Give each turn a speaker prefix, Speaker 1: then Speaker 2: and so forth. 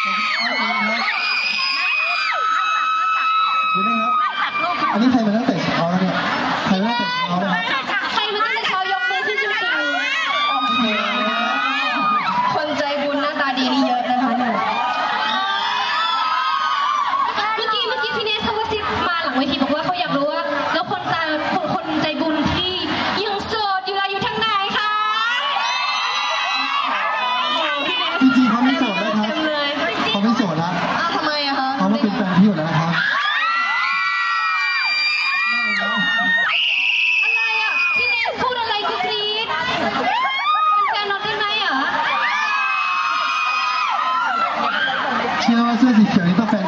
Speaker 1: ดูนี่ครับอันนี้ใครมาตั้งแต่เช้าแล้วเนี่ยใครมาตั้งแต่เช้าแล้ว
Speaker 2: ใครมาตั้งแต่เช้ายกมือที่ชูคนใจบุญหน้าตาดีนี่เยอะนะคะหนูเมื่อกี้พี่เนสเขาก็ซิบมาหลังเวทีบอกว่าเขาอยากรู้ว่าแล้วคนใจบุญที่ยังโสดอยู่อะไรอยู่ทางไหนคะ
Speaker 1: จริงๆเขาไม่โสดนะครับเขาไม่โสดละ
Speaker 2: ทำไมอะคะ
Speaker 1: เขามาเป็นแฟนพี่อยู่แล้วนะครับ
Speaker 2: อะไรอะพี่เนสพูดอะไรกูกรี๊ดเป็นแฟนน็อตได้ไหมอะ
Speaker 1: เชื่อว่าเสื้อสีเขียวนี่ต้องแฟน